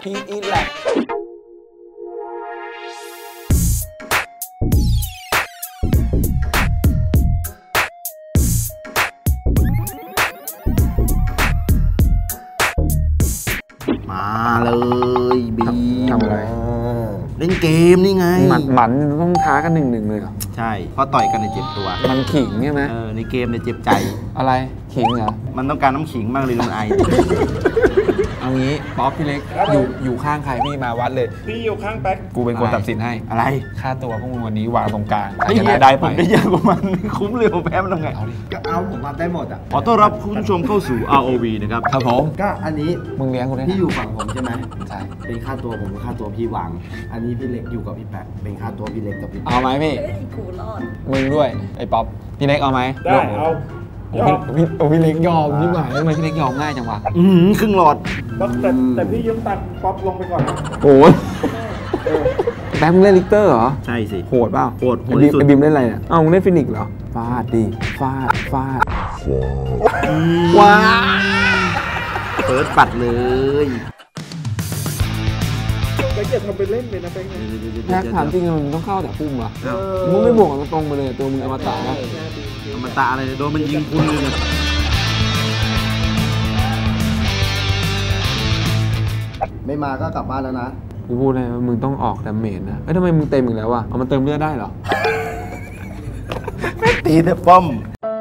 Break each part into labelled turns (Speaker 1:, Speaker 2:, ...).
Speaker 1: พีอีแลก
Speaker 2: มาเลยบี
Speaker 1: ทำอะไร
Speaker 2: เล่นเกมนี่ไง
Speaker 1: หมันต้องท้ากัน1-1เลยเหรอ
Speaker 2: ใช่เพราะต่อยกันในเจ็บตัว
Speaker 1: มันขิงใช่ไหม
Speaker 2: ในเกมเนี่ยเจ็บใจ
Speaker 1: อะไรขิงเหรอ
Speaker 2: มันต้องการน้ำขิงมากเลยลุงไอ
Speaker 1: เอางี้ป๊อปพี่เล็กอยู่ข้างใครพี่มาวัดเลย
Speaker 3: พี่อยู่ข้างแป๊ก
Speaker 1: กูเป็นคนตัดสินให้
Speaker 2: อะไร
Speaker 1: ค่าตัวพวกมึงวันนี้วางตรงกลางใครชนะได้ไป
Speaker 2: ได้เยอะกว่ามันคุ้มเลยผมแพ้มันทำไง
Speaker 4: เอาผมมาได้หมดอ่ะ
Speaker 2: ขอต้อนรับคุณผู้ชมเข้าสู่ ROV นะครับ
Speaker 1: ครับผม
Speaker 4: ก็อันนี้
Speaker 1: มึงเลี้ยงกูได้
Speaker 4: พี่อยู่ฝั่งผมใช่ไหม
Speaker 1: ใช่
Speaker 4: เป็นค่าตัวผมค่าตัวพี่วางอันนี้พี่เล็กอยู่กับพี่แป๊กเป็นค่าตัวพี่เล็กกับพี่
Speaker 1: เอาไหมพี่
Speaker 5: กูรอด
Speaker 1: มึงด้วยไอ้ป๊อปพี่เล็กเอาไหม
Speaker 3: ได้เอา
Speaker 1: พี่เล็กยอมพี่หมายทำไมพี่เล็กยอมง่ายจังวะ
Speaker 2: ครึ่งหลอด
Speaker 3: แต่พี่ยืมตังค์ป๊อปลงไปก่อนนะ
Speaker 1: โอ้ยแบ๊มเล่นลิกเตอร์เหรอ
Speaker 2: ใช่สิ
Speaker 1: โหดเปล่า
Speaker 2: โหดที่สุด
Speaker 1: ไอ้บิมเล่นอะไรเนี่ยมึงเล่นฟินิกเหรอฟาดดิฟาดว้า
Speaker 2: เปิดปัดเลย
Speaker 3: แป๊กจะทำเป็นเล่นเลยนะแป๊ก
Speaker 1: แท็กถามจริงมึงต้องเข้าแต่พุ่มวะมึงไม่บวกกันตรงไปเลยตัวมึงอมตะนะ
Speaker 2: อมตะอะไรโดนมันยิงคุณเลย
Speaker 4: ไม่มาก็กลับบ้านแล้วนะ
Speaker 1: กูพูดเลยว่ามึงต้องออกดาเมจนะทำไมมึงเต็มอีกแล้ววะเอามาเติมเลือดได้เหรอ
Speaker 2: ตีแต่ป้อม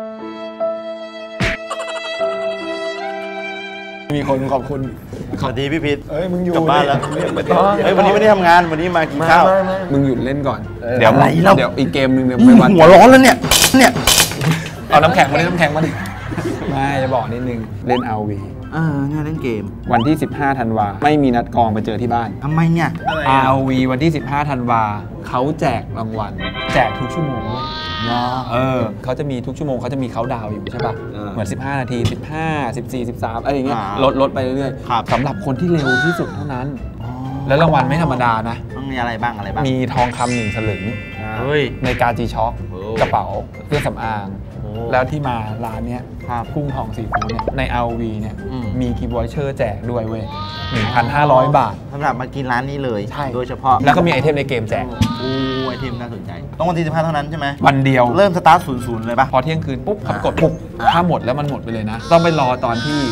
Speaker 1: มีคนขอบคุณ
Speaker 2: สวัสดีพี่พิษ
Speaker 1: มึงอยู่
Speaker 2: กลับบ้านแล้ววันนี้ไม่ได้ทำงานวันนี้มากินข้าว
Speaker 1: มึงหยุดเล่นก่อนเดี๋ยวอีกเกมนึงเดี๋ยวไปวัด
Speaker 2: หัวร้อนแล้วเนี่ย
Speaker 1: เอาน้ำแข็งมาดิไม่จะบอกนิดนึงเล่น RV
Speaker 2: งานเล่นเกม
Speaker 1: วันที่15ธันวาไม่มีนัดกองไปเจอที่บ้าน
Speaker 2: ทำไมเนี่ย
Speaker 1: RV วันที่15ธันวาเขาแจกรางวัลแจกทุกชั่วโมงด้วยเขาจะมีทุกชั่วโมงเขาจะมีเขาดาวอยู่ใช่ป่ะเหมือน15นาที15 14 13อะไรอย่างเงี้ยลดไปเรื่อยๆสำหรับคนที่เร็วที่สุดเท่านั้นแล้วรางวัลไม่ธรรมดานะ
Speaker 2: ต้องมีอะไรบ้าง
Speaker 1: มีทองคำ1 สลึงในกาจีช็อคกระเป๋าเครื่องสำอางแล้วที่มาร้านเนี้ยกุ้งทองซีฟู้ดเนี่ยใน RV เนี่ยมีกิฟต์วอเชอร์แจกด้วยเว้ย 1,500 บาท
Speaker 2: สำหรับมากินร้านนี้เลยโดยเฉพาะ
Speaker 1: แล้วก็มีไอเทมในเกมแจก
Speaker 2: ไอเทมน่าสนใจต้องวันที่15เท่านั้นใช่ไหม
Speaker 1: วันเดียว
Speaker 2: เริ่มสตาร์ท00เลยป่ะ
Speaker 1: พอเที่ยงคืนปุ๊บขับกดปุ๊บถ้าหมดแล้วมันหมดไปเลยนะต้องไปรอตอนที่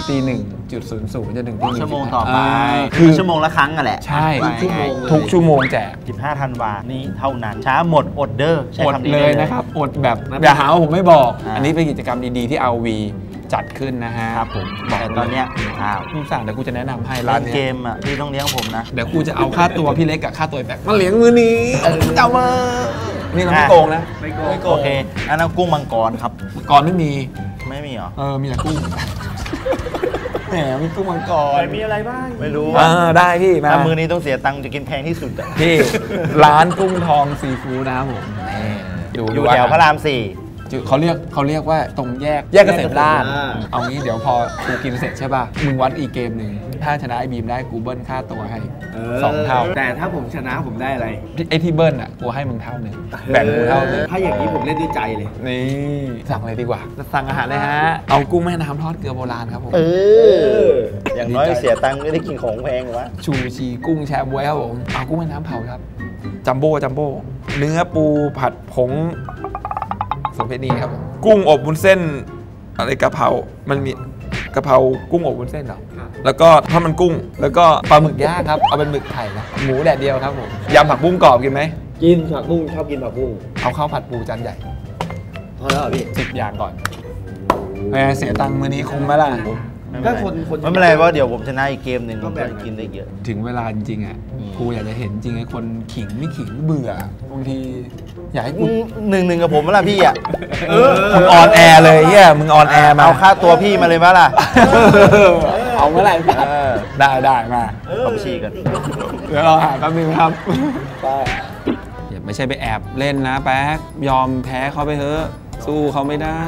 Speaker 1: 1:00จะถึง
Speaker 2: ชั่วโมงต่อไปคือชั่วโมงละครั้งอ่ะแหละ
Speaker 1: ใช่ทุกชั่วโมงแจก
Speaker 2: 15ธันวานี้เท่านั้นช้าหมดอดเดอร์
Speaker 1: อดเลยนะครับอดแบบอย่าหาว่าผมไม่บอกอันนี้เป็นกิจกรรมดีๆที่ RV จัดขึ้นนะฮะ
Speaker 2: ครับผมแต่ตอนเนี้ย
Speaker 1: มึงสั่งเดี๋ยวกูจะแนะนำให้ร้าน
Speaker 2: เกมอ่ะพี่ต้องเลี้ยงผมนะ
Speaker 1: เดี๋ยวกูจะเอาค่าตัวพี่เล็กกับค่าตัวแบกมาเลี้ยงมือนี้เจ้ามานี่เราไม่โกงนะ
Speaker 2: ไม่โกงโอเคอันนั้นกุ้งมังกรครับ
Speaker 1: มังกรไม่มี
Speaker 2: เหรอ
Speaker 1: มีแต่กุ้งแหมมีกุ้งมังกร
Speaker 3: มีอะไรบ้าง
Speaker 2: ไม่รู้
Speaker 1: ได้พี่มา
Speaker 2: มือนี้ต้องเสียตังค์จะกินแพงที่สุดอ่ะ
Speaker 1: พี่ร้านกุ้งทองซีฟู้ดนะครับผม
Speaker 2: อยู่แถวพระราม4
Speaker 1: เขาเรียกว่าตรงแยกเกษตรราษฎร์เอางี้เดี๋ยวพอกูกินเสร็จใช่ป่ะมึงวัดอีกเกมหนึ่งถ้าชนะไอ้บีมได้กูเบิ้ลค่าตัวให้2 เท่า
Speaker 4: แต่ถ้าผมชนะผมได้อะไร
Speaker 1: ไอ้ที่เบิ้ลอ่ะกูให้มึงเท่านึงแบ่งกูเท่านึง
Speaker 4: ถ้าอย่างนี้ผมเล่นด้วยใจเลย
Speaker 1: นี่สั่งเลยดีกว่าสั่งอาหารเลยฮะเอากุ้งแม่น้ำทอดเกลือโบราณครับผม
Speaker 2: อย่างน้อยเสียตังค์ไม่ได้กินของแพงวะ
Speaker 1: ชูชีกุ้งแช่บ๊วยครับผมเอากุ้งแม่น้ำเผาครับจัมโบ้เนื้อปูผัดผงสมเพนีครับกุ้งอบวุ้นเส้นอะไรกะเพรามันมีกะเพรากุ้งอบวุ้นเส้นเหรอแล้วก็ทอดมันกุ้งแล้วก็ปลาหมึกย่างครับเอาเป็นหมึกไข่นะหมูแดดเดียวครับผมยำผักบุ้งกรอบกินไหม
Speaker 4: กินผักบุ้งชอบกินผักบุ้ง
Speaker 1: เอาข้าวผัดปูจานใหญ่
Speaker 4: พอแล้วพี่
Speaker 1: 10 อย่างก่อนเสียตังค์มื้อนี้คุ้มไหมล่ะ
Speaker 2: ก็คนไม่เป็นไรว่าเดี๋ยวผมชนะอีกเกมหนึ่งก็แบบกินได้เยอะ
Speaker 1: ถึงเวลาจริงๆอ่ะกูอยากจะเห็นจริงไอ้คนขิงไม่ขิงเบื่อบางทีอยากให้กู
Speaker 2: 1-1กับผมมั้ยล่ะพี่อ่ะ
Speaker 1: มึงออนแอร์เลยเฮียมึงออนแอร์มา
Speaker 2: เอาค่าตัวพี่มาเลยมั้ยล่ะ
Speaker 1: เอาเมื่อไหร่ได้มา
Speaker 2: ผมชี้กัน
Speaker 1: เดี๋ยวเราหาแป๊บนึงครับอย่าไม่ใช่ไปแอบเล่นนะแป๊กยอมแพ้เขาไปเถอะสู้เขาไม่ได้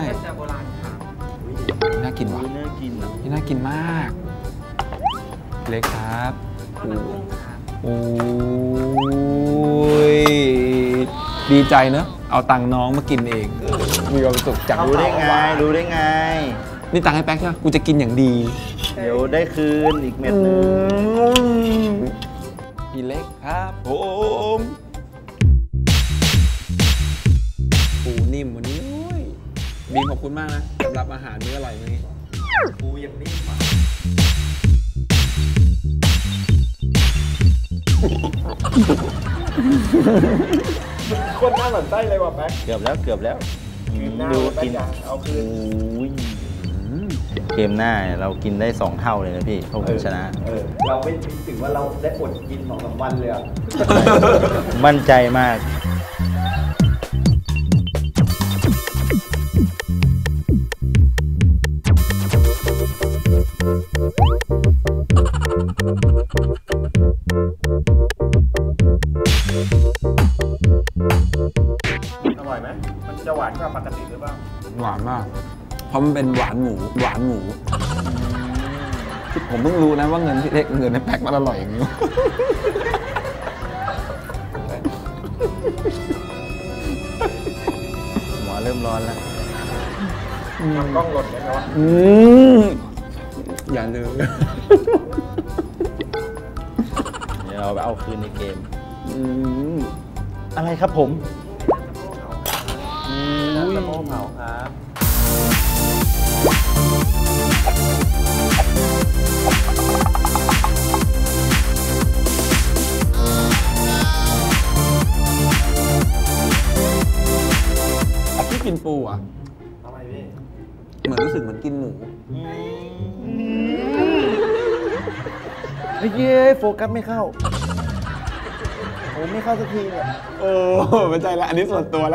Speaker 1: น่ากินว่ะนี่น่ากินมากเล็กครับโอ้ยดีใจเนอะเอาตังค์น้องมากินเองมีความสุขจัง
Speaker 2: รู้ได้ไง
Speaker 1: นี่ตังค์ให้แป๊กใช่ไหมกูจะกินอย่างดี
Speaker 2: เดี๋ยวได้คืนอีกเม็ดนึง
Speaker 1: พี่เล็กครับผมปูนิ่มวันนี้บีมขอบคุณมากนะสำหรับอาหารมื้ออร่อยวันนี้ปูยังนิ่มอ่ะ
Speaker 3: คนหน้าเหมือนไส้เลยว่ะแป๊ก
Speaker 2: เกือบแล้ว
Speaker 3: หน้า
Speaker 2: ดู
Speaker 3: แป๊ก
Speaker 2: กิน
Speaker 3: อย่างเอาคืน
Speaker 2: โอ้ยเกมหน้าเนี่ยเรากินได้2 เท่าเลยนะพี่เพราะผมชนะ
Speaker 4: เราไม่คิดถึงว่าเราได้อดกิน2-3 วันเลยอ่ะ
Speaker 2: มั่นใจมาก
Speaker 3: อร่อยไหมมันจะหวานกว่าปกติหรือเปล่า
Speaker 1: หวานมากเพราะมันเป็นหวานหมูผมเพิ่งรู้นะว่าเงินพี่เล็กเงินในแพ็คมันอร่อยอย่างนี้
Speaker 2: หัวเริ่มร้อนแล้ว
Speaker 3: ทำกล้องหล่นได้ไหมวะ
Speaker 1: อย่าลืม
Speaker 2: เดี๋ยวเราไปเอาคืนในเกมอะไรครับผมน้ำสะโพกเผาครับ
Speaker 1: พี่กินปูอ่ะ
Speaker 4: ทำไมพี่
Speaker 1: เหมือนรู้สึกเหมือนกินหมู
Speaker 2: เฮ้ยโฟกัสไม่เข้าโอ้ไม่เข้าสักทีเนี่ย
Speaker 1: โอ้ไม่ใช่ละอันนี้ส่วนตัวละ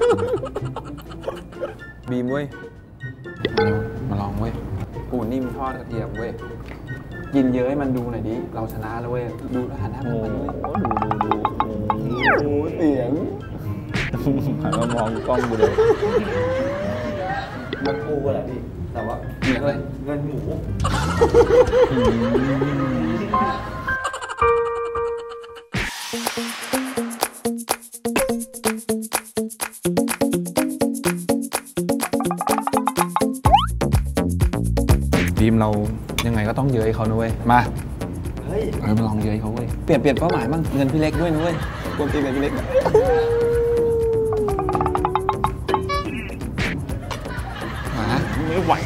Speaker 1: บีมเว้ยมาลองเว้ยปูนิ่มทอดกระเทียมเว้ยกินเยอะให้มันดูหน่อยดิเราชนะแล้วเว้ยดูแล้วหันหน้า
Speaker 2: โอ้
Speaker 1: มัน
Speaker 2: โห
Speaker 1: ด้วย
Speaker 2: ดู
Speaker 1: โอ้เสียง
Speaker 2: หันมามองกล้องดูเลย
Speaker 4: มันปูแหละพี่ แต่ว่า
Speaker 1: เยอะเลย
Speaker 4: เงินหมู
Speaker 1: บีมเรายังไงก็ต้องเย้ยเขานะเว้ยมา
Speaker 4: เฮ้ย
Speaker 1: มาลองเย้ยเขาเว้ยเปลี่ยนเป้าหมายบ้างเงินพี่เล็กด้วยนะเว้ยกวนตีนเลยพี่เล็กมาไม่ไหว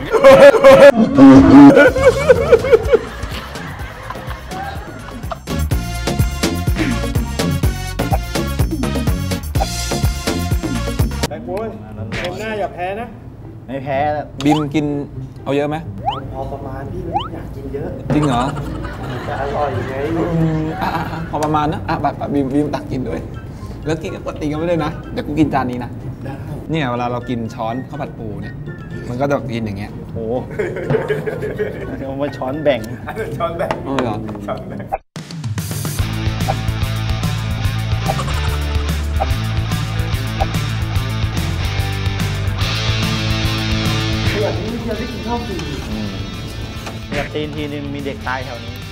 Speaker 3: แป๊กโว้ยเกมหน้าอย่าแพ้นะ
Speaker 2: ไม่แพ้แล้ว
Speaker 1: บีมกินเอาเยอะไหม
Speaker 4: พอประมาณพี่ไม่อยากกินเยอะ
Speaker 1: จริงเหรอ
Speaker 4: จะอร่อยไง
Speaker 1: พอประมาณนะแบบบีมตักกินด้วยแล้วกินกับปกติกันไม่ได้นะเดี๋ยวกูกินจานนี้นะเนี่ยเวลาเรากินช้อนข้าวผัดปูเนี่ยมันก็จะกินอย่างเงี้ย
Speaker 2: โอ้โหเอามาช้อนแบ่ง
Speaker 3: ช้อนแบ่ง
Speaker 1: อ๋อเหรอ
Speaker 3: ช้อนแบ่ง
Speaker 2: อยากตีนทีนึงมีเด็กตายแถวนี้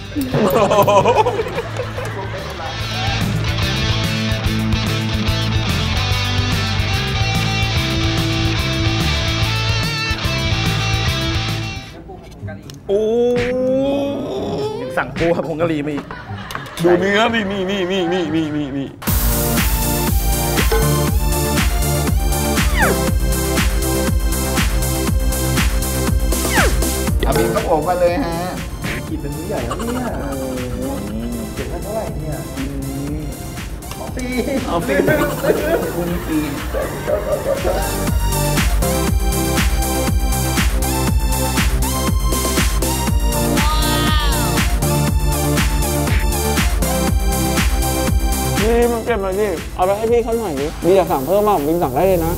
Speaker 1: โอ้
Speaker 2: ยังสั่งปูครับผงกะหรี่มาอีก
Speaker 1: ดูเนื้อนี่เอาบีมก็โอบมาเลยฮะ
Speaker 4: กินเป็นมื้อใหญ่แล้วเนี่ยเก็บเท่าไหร่เนี่ยปี
Speaker 1: เอาฟิล์มคุณฟิล์มนี่มันเก็บมาดิเอาไปให้พี่เขาหน่อยดิบีอยากสั่งเพิ่มมากบีสั่งได้เลยนะ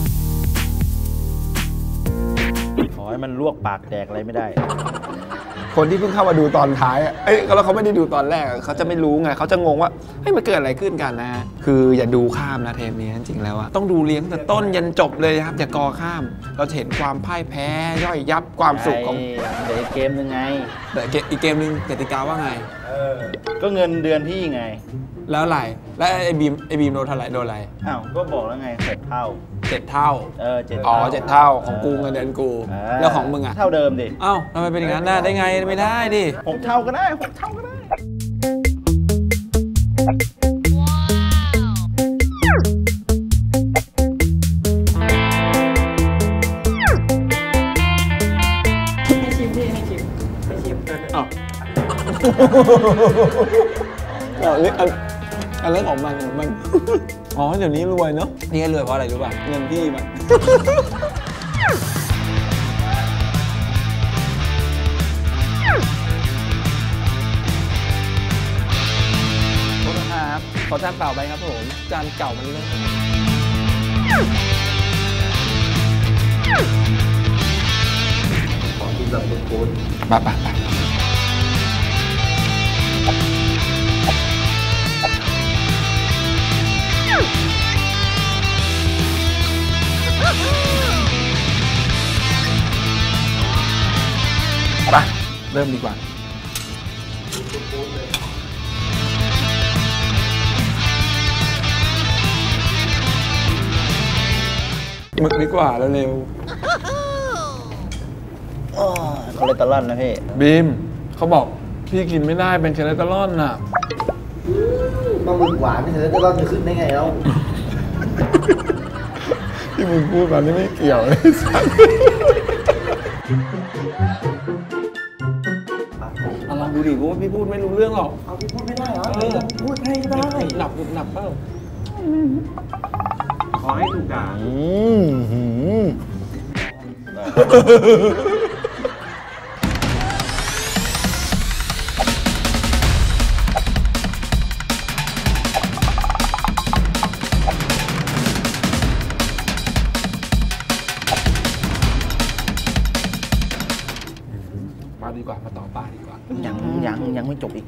Speaker 2: ขอให้มันลวกปากแดกอะไรไม่ได้
Speaker 1: คนที่เพิ่งเข้ามาดูตอนท้ายแล้วเขาไม่ได้ดูตอนแรกเขาจะไม่รู้ไงเขาจะงงว่าเฮ้ยมันเกิดอะไรขึ้นกันนะคืออย่าดูข้ามนะเทปนี้จริงๆแล้วอะต้องดูเลี้ยงแต่ต้นยันจบเลยครับอย่ากอข้ามเราจะเห็นความพ่ายแพ้ย่อยยับความสุขของ
Speaker 2: เดี๋ยวอีกเกมนึงไง
Speaker 1: แต่อีกเกมนึงกติกาว่าไง
Speaker 2: ก็เงินเดือนพี่ไง
Speaker 1: แล้วอะไรแล้วไอ้บีมโดนเท่าไหร่โดนอะไร
Speaker 2: อ้าวก็บอกแล้วไง7 เท่า
Speaker 1: 7 เท่า
Speaker 2: 7
Speaker 1: อ๋อ7 เท่าของกูเงินเดือนกูแล้วของมึงอะ
Speaker 2: เท่าเดิมดิ
Speaker 1: เอ้าทำไมเป็นอย่างนั้นได้ไงไม่ได้ดิ
Speaker 2: 6 เท่าก็ได้6 เท่าก็ได้
Speaker 5: ให้ชิมพี่ให้ชิมให้ชิม
Speaker 1: อ๋ออันเรื่องของมันอ๋อเดี๋ยวนี้รวยเนาะนี่รวยเพราะอะไรรู้ป่ะเงินพี่มันโทษนะครับขอจานเปล่าไปครับผมจานเก่ามันเลย
Speaker 4: ขอกินแบบโค้ด
Speaker 1: ไปเริ่มดีกว่าหมึกดีกว่าเร็ว
Speaker 2: คอเลสเตอรอลนะพี่
Speaker 1: บีมเขาบอกพี่กินไม่ได้เป็นคอเลสเตอรอลน่ะ
Speaker 4: ปลาหมึกหวานนี่จะรอดจะขึ้นได้ไงแล้ว
Speaker 1: ที่มึงพูดมานี่ไม่เกี่ยวเลยสัสลองดูดิกูว่าพี่พูดไม่รู้เรื่องหรอก
Speaker 4: เอาพี่พูดไม่ได้เหรอพูดให้ได้
Speaker 1: หนับเปล่า
Speaker 3: ขอให้ถูกด่า
Speaker 1: ปลาดีกว่ามาต่อปลาดีกว่า
Speaker 2: ยังไม่จบอีก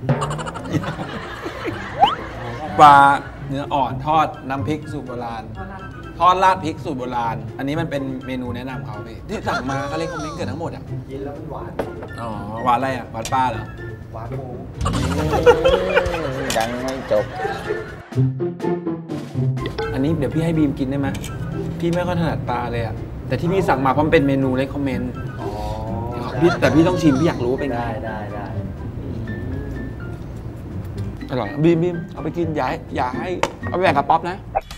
Speaker 1: ปลาเนื้ออ่อนทอดน้ำพริกสูตรโบราณทอดราดพริกสูตรโบราณอันนี้มันเป็นเมนูแนะนำเขาพี่ที่สั่งมาเขาเรียกคอมเมนต์เกิดทั้งหมดอ่ะ
Speaker 4: กินแล้วมันหวาน
Speaker 1: อ๋อหวานอะไรอ่ะหวานปลาเหรอ
Speaker 4: หวานหมู
Speaker 2: ยังไม่จบ
Speaker 1: อันนี้เดี๋ยวพี่ให้บีมกินได้ไหมพี่ไม่ค่อยถนัดปลาเลยอ่ะแต่ที่พี่สั่งมาเพราะมันเป็นเมนูเลคคอมเมนต์
Speaker 4: อ๋อ
Speaker 1: แต่พี่ต้องชิมพี่อยากรู้ว่าเป็นไง
Speaker 4: ได้
Speaker 1: อร่อยบีมเอาไปกินอย่าให้เอาไปแบ่งกับป๊อปนะ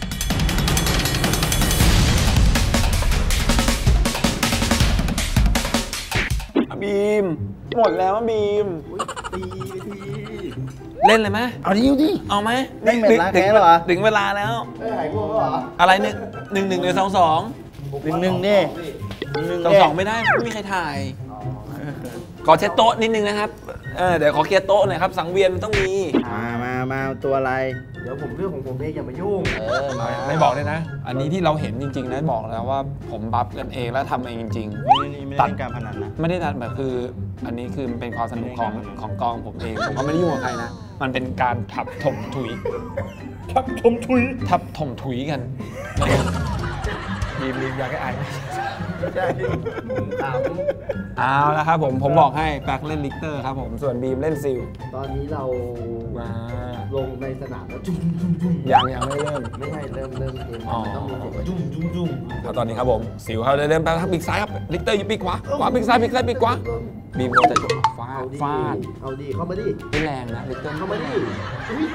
Speaker 1: บีมหมดแล้วบีม
Speaker 4: ตีไปที
Speaker 1: เล่นเลยไหม
Speaker 2: เอาดิ
Speaker 1: เอาไหม
Speaker 2: เล่นเวลาแค่เหรอ
Speaker 1: ถึงเวลาแล้ว
Speaker 4: ไม่หายง่วงแล้วเหรอ
Speaker 1: อะไร1 1 1 1 2 2
Speaker 2: 1 ดิ
Speaker 1: 2 2ไม่ได้ไม่มีใครถ่าย ขอเช็ดโต๊ะนิดนึงนะครับเดี๋ยวขอเคลียร์โต๊ะหน่อยครับสังเวียนมันต้องมี
Speaker 2: มาตัวอะไร
Speaker 4: เดี๋ยวผมเรื่องของผมเองอย่ามายุ่ง
Speaker 2: มา
Speaker 1: ไม่บอกเลยนะ อันนี้ที่เราเห็นจริงๆนะบอกแล้วว่าผมบัฟกันเองแล้วทำเองจริง
Speaker 2: ไม่ได้การพนันนะ
Speaker 1: ๆ ไม่ได้ตัดแบบคือ อันนี้คือมันเป็นความสนุกของกองผมเองผมก็ไม่ได้ยุ่งกับใครนะ มันเป็นการทับถมถุยทับถมถุยกันบีมอยากให้อายไหม
Speaker 4: ใช่ถาม
Speaker 1: เอาละครับผมบอกให้แป๊กเล่นลิกเตอร์ครับผมส่วนบีมเล่นซิล
Speaker 4: ตอนนี้เรา
Speaker 1: มา
Speaker 4: ลงในสนามแล้ว
Speaker 1: ยังไม่เริ่ม
Speaker 4: ไม่ใช่เริ่มเกม
Speaker 1: อ๋อ
Speaker 4: ต้องมีเสียงว่าจุ้ม
Speaker 1: แล้วตอนนี้ครับผมสิวเขาเริ่มแป๊บปีกซ้ายครับลิกเตอร์อยู่ปีกขวาปีกซ้ายปีกขวาบีมโดนจะฟา
Speaker 4: เอา
Speaker 1: ด
Speaker 4: ดิ
Speaker 1: ฟาด
Speaker 4: เอาดิเข้ามาดิ
Speaker 1: ไม่แรงนะลิกเตอร์
Speaker 4: เข้ามาดิอุ๊ย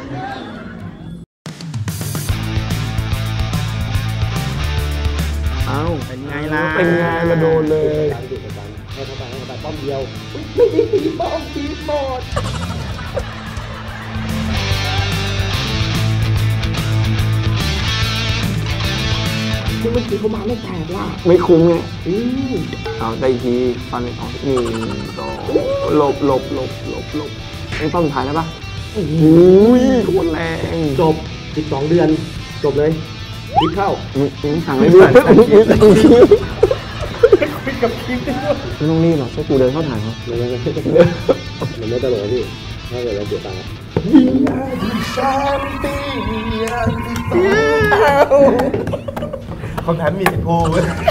Speaker 1: เอ้า
Speaker 2: เป็นไงล่ะ
Speaker 1: เป็นไงมาโดนเลย
Speaker 4: การดิการให้เข้าไปป้อมเดียวอุ๊ยไม่ได้ตีป้อมตีหมดคือเมื่อกี้เขามาไม่แตกว่ะ
Speaker 1: ไม่คุ้มไง
Speaker 4: อืม
Speaker 1: เอาได้ทีฟันไปออก1 2หลบไอ้ป้อมสุดท้ายแล้วปะโอ้ยโคตรแรง
Speaker 4: จบ12 เดือน จบเลยพลิกเข้า
Speaker 1: มึงสั่งไม่ด้วย
Speaker 3: กับคลิปได้ด้วย
Speaker 2: ไม่ต้องรีบหรอกช่วยกูเดินเข้าถ่ายเขา
Speaker 3: มันไม่ตลกพี่ถ้าเกิดเราเสียตังค์
Speaker 4: คำถามมีสิทธิ์พูด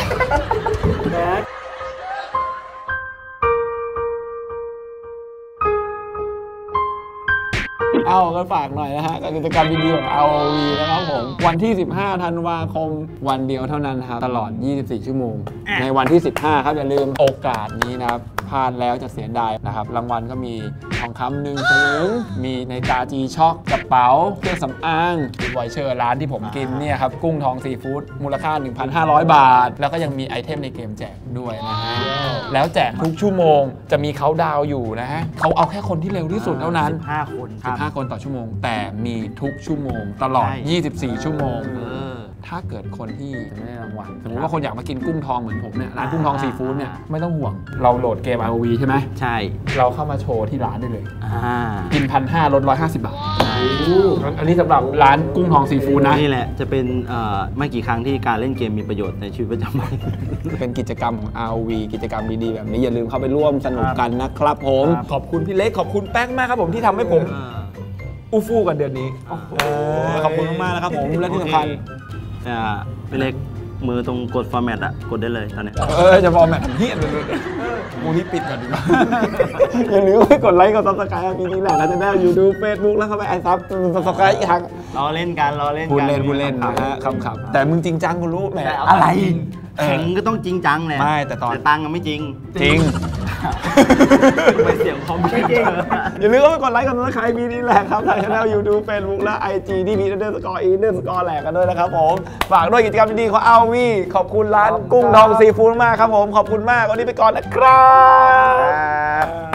Speaker 1: เอากันฝากหน่อยนะฮะกับกิจกรรมดีๆของ ROV นะครับผมวันที่ 15 ธันวาคมวันเดียวเท่านั้นครับตลอด 24 ชั่วโมง ในวันที่ 15 ครับอย่าลืมโอกาสนี้นะครับพลาดแล้วจะเสียดายนะครับรางวัลก็มีทองคำ1 สลึงมีในตาจีช็อกกระเป๋าเครื่องสำอางไวเชอร์ร้านที่ผมกินเนี่ยครับกุ้งทองซีฟู้ดมูลค่า 1,500 บาท แล้วก็ยังมีไอเทมในเกมแจกด้วยนะฮะแล้วแจกทุกชั่วโมงจะมีเขาดาวอยู่นะฮะเขาเอาแค่คนที่เร็วที่สุดเท่านั้น
Speaker 4: 15 คนครับ
Speaker 1: 15 คนต่อชั่วโมงแต่มีทุกชั่วโมงตลอด 24 ชั่วโมงถ้าเกิดคนที่จะไม่ได้รางวัลสมมติว่าคนอยากมากินกุ้งทองเหมือนผมเนี่ยร้านกุ้งทองซีฟู้ดเนี่ยไม่ต้องห่วงเราโหลดเกม ROV ใช่ไหม
Speaker 2: ใช่
Speaker 1: เราเข้ามาโชว์ที่ร้านได้เลย
Speaker 2: อ่า
Speaker 1: กิน 1,500 ลด 150 บาทอันนี้สำหรับร้านกุ้งทองซีฟู้ดนะ
Speaker 2: นี่แหละจะเป็นไม่กี่ครั้งที่การเล่นเกมมีประโยชน์ในชีวิตประจำวัน
Speaker 1: เป็นกิจกรรมของ ROV กิจกรรมดีๆแบบนี้อย่าลืมเข้าไปร่วมสนุกกันนะครับผม ขอบคุณพี่เล็กขอบคุณแป้งมากครับผมที่ทำให้ผมอู้ฟู่กันเดือนนี้ขอบคุณมากๆนะครับผมและที่สำคัญ
Speaker 2: เป็นเล็กมือตรงกดฟอร์แมตอะกดได้เลยตอนนี้
Speaker 1: จะฟอร์แมตเฮี้ยเลยกูนี่ปิดก่อนดีกว่าอย่าลืมไปกดไลค์กดซับสไครต์ปีนี้แหละแล้วจะได้ยูทูบเฟซบุ๊กแล้วเข้าไปไอซับซับสไครต์อีกครั้ง
Speaker 2: รอเล่นกันรอเล่น
Speaker 1: พูด
Speaker 2: กัน
Speaker 1: เล่นนะฮะคำๆแต่มึงจริงจังกูรู้แหม
Speaker 2: อะไรแข่งก็ต้องจริงจังแหละ
Speaker 1: ไม่แต่
Speaker 2: ตังค์ไม่จริง
Speaker 1: จริง
Speaker 2: ไปเสียงพร้อมจริง
Speaker 1: อย่าลืมไปกดไลค์กดซับสไครต์ปีนี้แหละครับทางช่อง YouTube Facebook และ IG ที่พี__e__ แหลกกันด้วยนะครับผมฝากด้วยกิจกรรมดีๆของ ROV ขอบคุณร้านกุ้งทองซีฟู้ดมากครับผมขอบคุณมากวันนี้ไปก่อนนะครับ